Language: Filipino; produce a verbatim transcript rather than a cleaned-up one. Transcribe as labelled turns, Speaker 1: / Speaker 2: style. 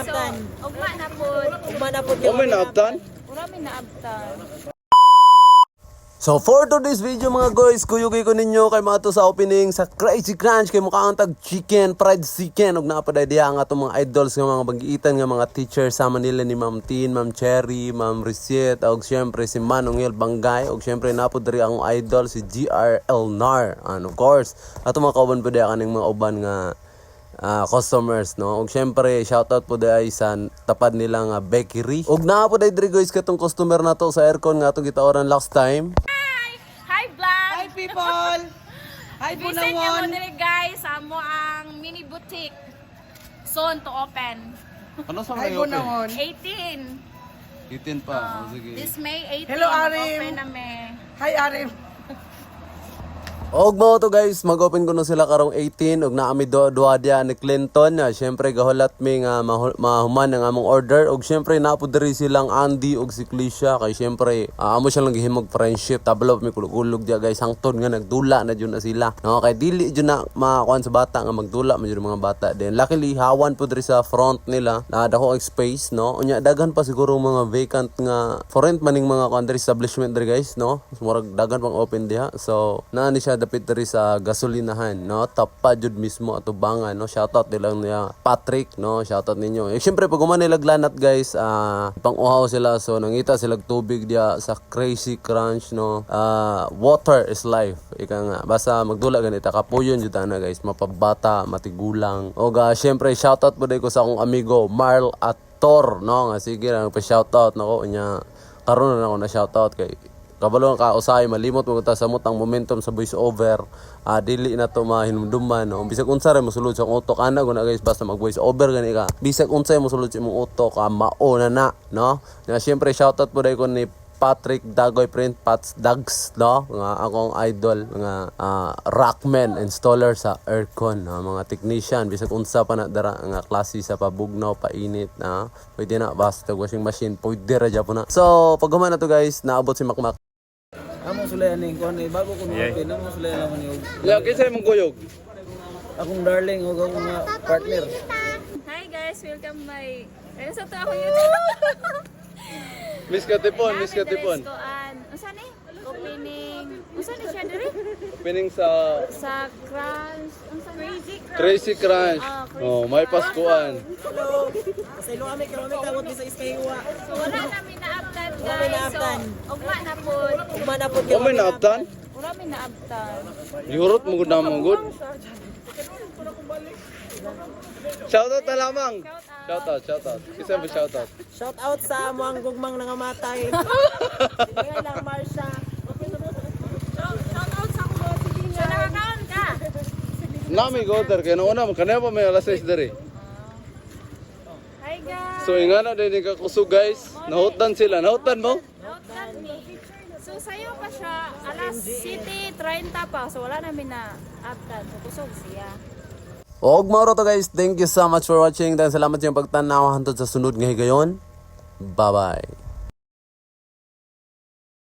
Speaker 1: naabtan.
Speaker 2: Ugma na po.
Speaker 1: Ugma na po.
Speaker 3: O may naabtan?
Speaker 2: Wala may naabtan.
Speaker 3: So for today's video mga guys, kuyugay ko ninyo kay mga to sa opening sa Crazy Crunch kay mukha ang tag chicken, fried chicken ug napaday diha nga atong mga idols nga mga bagiitan nga mga teacher sama nila ni Ma'am Tin, Ma'am Cherry, Ma'am Risiet ug syempre si Manongel Bangay ug syempre napod diri ang idol si G R Elnar and of course ato mga kauban pa diha kaning mga uban nga Uh, customers no ug syempre shoutout po dai sa tapad nila nga bakery ug naa po dai diri guys katong customer nato sa aircon nga atong gitaoran last time.
Speaker 2: Hi! Hi vlog!
Speaker 1: Hi people! Hi
Speaker 2: Visit niyo mo
Speaker 1: Bunawon!
Speaker 2: diri guys, amo ang mini boutique. Soon to open.
Speaker 3: Ano sa
Speaker 1: Hi Bunawon!
Speaker 2: eighteen.
Speaker 3: eighteen pa.
Speaker 2: Uh, this May eighteen.
Speaker 1: Hello, Arim.
Speaker 2: Open na me.
Speaker 1: Hi Arim!
Speaker 3: Og mo to guys, mag-open ko no sila karong eighteen ug naami do duha dia ni Clinton. Ya, syempre gahulat mi nga mahu- mahuman ang among order ug syempre napo diri silang Andy ug si Clisha kay syempre uh, amo siya lang gihimog friendship. Tablo mi kulog-ulog dia guys hangtod nga nagdula na jud na sila. No kay dili jud na makakuan sa bata nga magdula man jud mga bata. Then luckily hawan po diri sa front nila. Na dako space no. Unya daghan pa siguro mga vacant nga for rent maning mga kuan diri establishment diri guys no. Murag daghan pang open diha. So naa ni siya dapit diri sa gasolinahan no tapa jud mismo ato bangan no shoutout nilang niya Patrick no shoutout ninyo eh syempre pag human nila glanat guys uh, pang-uhaw sila so nangita sila tubig dia sa Crazy Crunch no uh, water is life ika nga basta magdula ganita kapuyon jud ana guys mapabata matigulang og uh, syempre shoutout po dai ko sa akong amigo Marl Ator no nga sige lang pa shoutout nako nya karon na ako na shoutout kay kabalo ka usay malimot mo ta sa mutang momentum sa voice over uh, dili na to mahinumduman no bisag unsa ra mosulod sa utok ana guna guys basta mag voice over gani ka bisag unsay mosulod sa imong utok ka mao na na no nga syempre shoutout po dai ko ni Patrick Dagoy Print Pats Dags no nga akong idol nga uh, rockman installer sa aircon no? Mga technician bisag unsa pa na dara nga klase sa pabugnaw painit na pwede na basta washing machine pwede ra jud na so pag human na to guys naabot si Makmak.
Speaker 1: Amo sulayan ning kuan eh bago ko open amo sulayan naman yung
Speaker 3: Ya kinsa imong kuyog?
Speaker 1: akong darling ug akong mga partner.
Speaker 2: Hi guys, welcome my. Ano sa to ako YouTube?
Speaker 3: Miss Katipon, Miss Katipon.
Speaker 2: Unsa ni? Opening. Unsa ni siya diri?
Speaker 3: Pining sa
Speaker 2: Sa Crunch. Unsa Crazy Crunch.
Speaker 3: Crazy Crunch.
Speaker 2: Ah, Crazy
Speaker 3: Oh, may
Speaker 2: Crunch.
Speaker 3: paskuan.
Speaker 1: Hello. Sa ilo kami karon tawag ni sa Iskaywa.
Speaker 2: So wala namin naabtan guys.
Speaker 1: Wala may naabtan.
Speaker 2: So ugma na po.
Speaker 1: Ugma na po.
Speaker 3: O may naabtan?
Speaker 2: Wala may naabtan.
Speaker 3: Yurot mo gud na mo gud. Shoutout na lamang. Shoutout, shoutout. Kisa ba shoutout?
Speaker 1: Shout out sa amo ang gugmang nangamatay. Kaya lang Marsha.
Speaker 2: Shout out sa ko sige nga. So nakakaon ka.
Speaker 3: Nami goder kay nauna man kanaya pa may alas sais diri.
Speaker 2: Hi guys.
Speaker 3: So ingana din ka kusog guys. Nahutan sila. Nahutan mo?
Speaker 2: Note that me. So sayo pa siya alas City thirty pa. So wala namin na abtan. So kusog siya.
Speaker 3: Og mao to guys. Thank you so much for watching. Dan salamat sa inyong pagtanaw hantod sa sunod nga higayon. Bye-bye.